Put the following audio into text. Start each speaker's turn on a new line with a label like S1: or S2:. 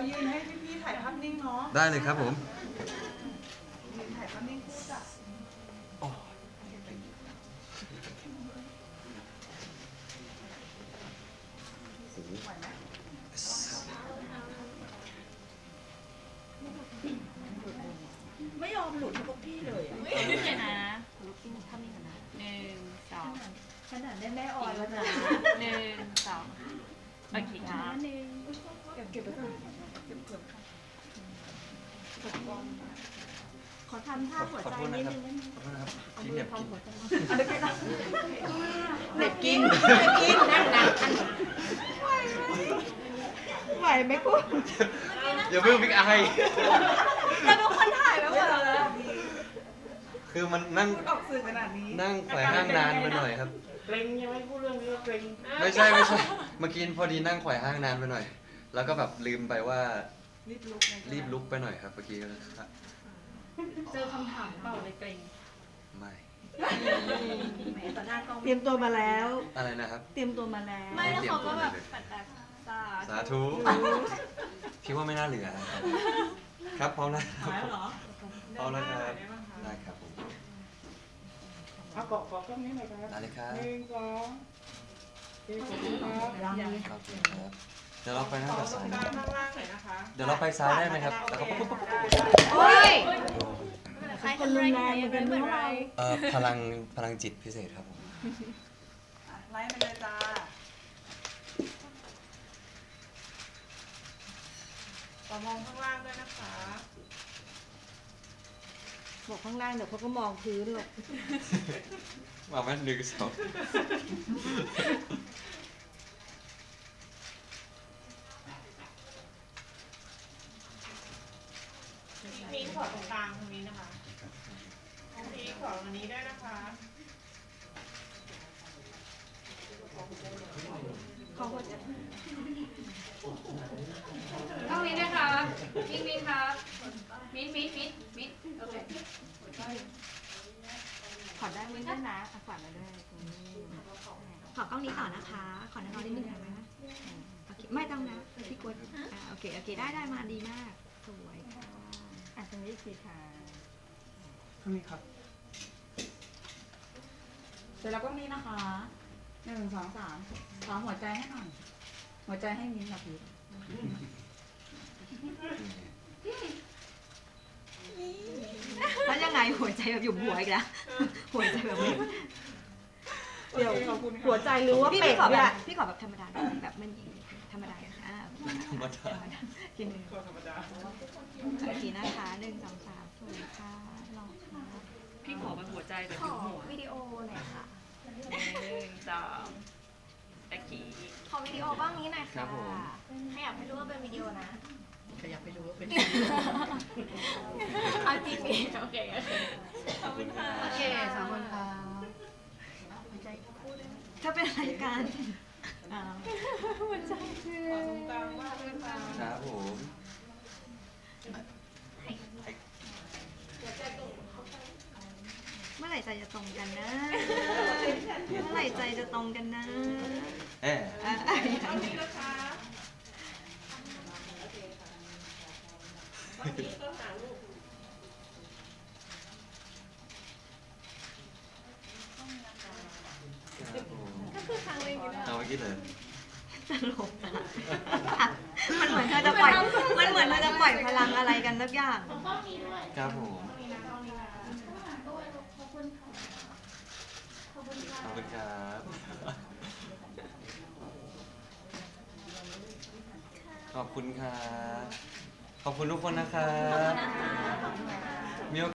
S1: ยืนให้พี่ๆถ่ายภาพนิ่งเนาะ
S2: ได้เลยครับผม
S1: ยืนถ่ายภาพนิ่งคู่จ้ะไหวไหม
S3: ไม่ยอมหลุดให้พวกพี่เลยอะ
S4: เดี๋ยวนะ
S3: ลุกขึ้นทำนี่กันนะ
S4: 1 2
S3: ขนาดได้แม่ออยแล้วนะ
S4: 1 2โอเคครับ
S3: เก็บไว้ก่อนขอทำท่าหัว
S2: ขอ
S3: ใจ
S2: โทษ
S3: นิ
S2: นะ
S3: ด
S2: ครับ
S3: นึงได้ไหม
S2: ขอโทษนะครับพี่เหน็บกิน
S3: หัวใจ
S1: อันนี้ก็ได้
S3: เน็บกินนั่งนั่งไหวไหมคุณ
S2: อย่าเพิ่งบิ๊กไอ
S3: เราเป็นคนถ่ายไว้หมดแล้ว
S2: คือมันนั่ง
S1: พูดออกสื่อขนาดนี้
S2: นั่งไขว่ห้างนานไปหน่อยครับ
S5: เกรงยังไม่พูดเรื่องนี้ก็เกรง
S2: ไม่ใช่ เมื่อกี้พอดีนั่งไขว่ห้างนานไปหน่อย แล้วก็แบบลืมไปว่า
S1: รีบลุกนะ
S2: รีบลุกไปหน่อยครับเมื่อกี้ก็ครับ
S4: เจอคำถามเปล่าเลยเกรง
S2: ไม่
S3: แหมต่อหน้ากล้องเตรียมตัวมาแล้ว
S2: อะไรนะครับ
S3: เตรียมตัวมาแล้ว
S4: ไม่แล้วเขาก็แบบปัดแบบสา
S2: สาธุคิดว่าไม่น่าเหลือนะครับครับพร้อมนะ
S3: หายเหรอ
S2: พร้อมแล้วครับได้ครับผม
S5: เอาเกาะกล้องนี้หน่อยครับ
S2: ได้เลยครับ
S5: 1 2โอเคขอบคุณครับ
S2: ครับครับเดี๋ยวเราไปหน้ากับซ้ายนะ
S1: ข้างล่างหน่อยนะคะ
S2: เดี๋ยวเราไปซ้ายได้ไหมครับแล้วก็ปุ๊บปุ๊บปุ๊บ
S3: โอ้ย
S4: ใครทำอะไรกันไม่เป็นไร
S2: พลังจิตพิเศษครับผม
S1: อ่ะไล่ไปเลยจ้าต่อมองข้างล่างด้วยนะคะ
S3: บอกข้างล่างเดี๋ยวเขาก็มองพื้นหรอก
S2: มาแม่หนึ่งสอง
S1: มีขอตรงกลางตรงนี้นะคะมีขอตรงนี้ด้วยนะคะ
S3: เขาก็จะ
S4: ต้องนี้นะคะมิ้นครับมิ้นโอเค
S3: ขอได้ไหมด้วยนะอ่ะขวัญมาด้วยตรงนี้ขอกล้องนี้ต่อนะคะ ขอน้องนิดนึงนะโอเคไม่ต้องนะพี่กดโอเคได้มาดีมาก สวยค่ะอ่ะตรงนี้สิค่ะ
S2: ข้างนี้ครับ
S3: เสร็จแล้วก็นี้นะคะ1 2 3ขอหัวใจให้หน่อยหัวใจให้มิ้นท์ค่ะพี่แล้วยังไงหัวใจแบบอยู่หัวอีกแล้วหัวใจแบบนี้เดี๋ยวหัวใจรู้ว่าเป็ดเนี่ยพี่ขอแบบธรรมดาแบบไม่มีธรรมดา
S2: ธรรมดา
S3: กินหนึ่ง
S1: ธรรมดา
S3: โอเคนะคะ1 2 3สวยค่ะรอค่ะ
S4: พี่ขอเป็นหัวใจแบบ
S3: ข
S4: อยู่
S3: อ
S4: หัว
S3: วิดีโอหน่อยค่ะ
S4: 1 2โอเค
S3: ขอวิดีโอบ้างนี้หน่อย
S2: ครั
S3: ค่ะ
S2: บผม
S3: ให้อยากให้รู้ว่าเป็นวิดีโอนะ
S4: ขยับไปดูว่าเป็น
S3: เอาจริงดิ
S4: โอเคขอบคุณค่ะ
S3: โอเคสองคนค่ะถ้าเป็นรายการหัวใจคือ
S1: ขอตรงกลางมากด้วยค่ะ
S2: ครับผม
S3: เมื่อไหร่ใจจะตรงกันนะเมื่อไหร่ใจจะตรงกันนะ
S2: แอบ
S1: ต้องนี้นะคะ
S2: เอาเมื่อกี้เลย
S3: ตลกมันเหมือนเธอจะปล่อยมันเหมือนเธอจะปล่อยพลังอะไรกันสักอย่าง
S2: ครับผมขอบคุณครับขอบคุณครับขอบคุณทุกคนนะครับ